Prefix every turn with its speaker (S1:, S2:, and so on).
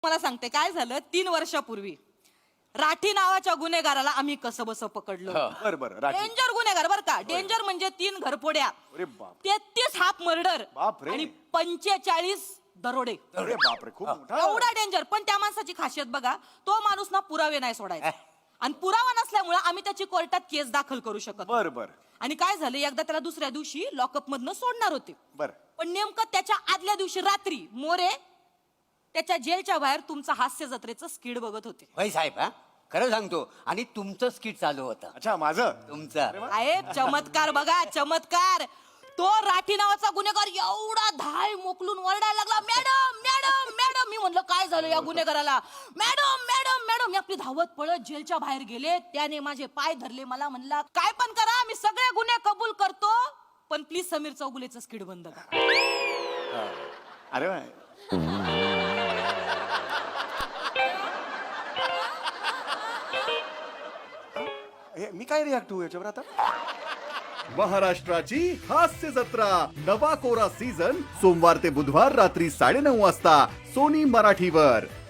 S1: मला सांगते काय झालं 3 वर्षापूर्वी राठी नावाच्या गुन्हेगाराला आम्ही कसं बसं पकडलो.
S2: बरं
S1: डेंजर गुन्हेगार बर का. डेंजर म्हणजे 3 घरफोड्या,
S2: अरे बाप.
S1: 33 हाफ मर्डर
S2: बापरे.
S1: आणि 45 दरोडे.
S2: अरे बापरे, खूप मोठा.
S1: एवढा डेंजर. पण त्या माणसाची खासियत बघा, तो माणूस ना पुरावे नाही सोडायचा आणि पुरावा नसल्यामुळे आम्ही त्याची कोर्टात केस दाखल करू शकत.
S2: बर.
S1: आणि काय झालं, एकदा त्याला दुसऱ्या दिवशी लॉकअप मधनं सोडणार होते.
S2: बर.
S1: पण नेमकं त्याच्या आदल्या दिवशी रात्री मोरे त्याच्या जेलच्या बाहेर तुमचा हास्य जत्रेचं स्किड बघत होते.
S3: होय साहेब, हा खरं सांगतो. आणि तुमचं स्किट चालू होतं.
S2: अच्छा, माझं
S3: तुमचं
S1: साहेब चमत्कार बघा, चमत्कार. तो राठी नावाचा गुन्हेगार एवढा धाय मोकलून ओरडायला लागला, मॅडम मॅडम मॅडम. मी म्हणलं काय झालं या गुन्हेगाराला. Madam madam madam. मी आपली धावत पळत जेलच्या बाहेर गेले. त्याने माझे पाय धरले, मला म्हणला काय पण करा, मी सगळे गुन्हे कबूल करतो, पण प्लीज समीर चौगुलेचं स्किड बंद करा.
S2: अरे वा. मी काय रिॲक्ट होऊ याच्यावर आता.
S4: महाराष्ट्राची हास्य जत्रा नवा कोरा सीझन सोमवार ते बुधवार रात्री 9:30 वाजता सोनी मराठीवर.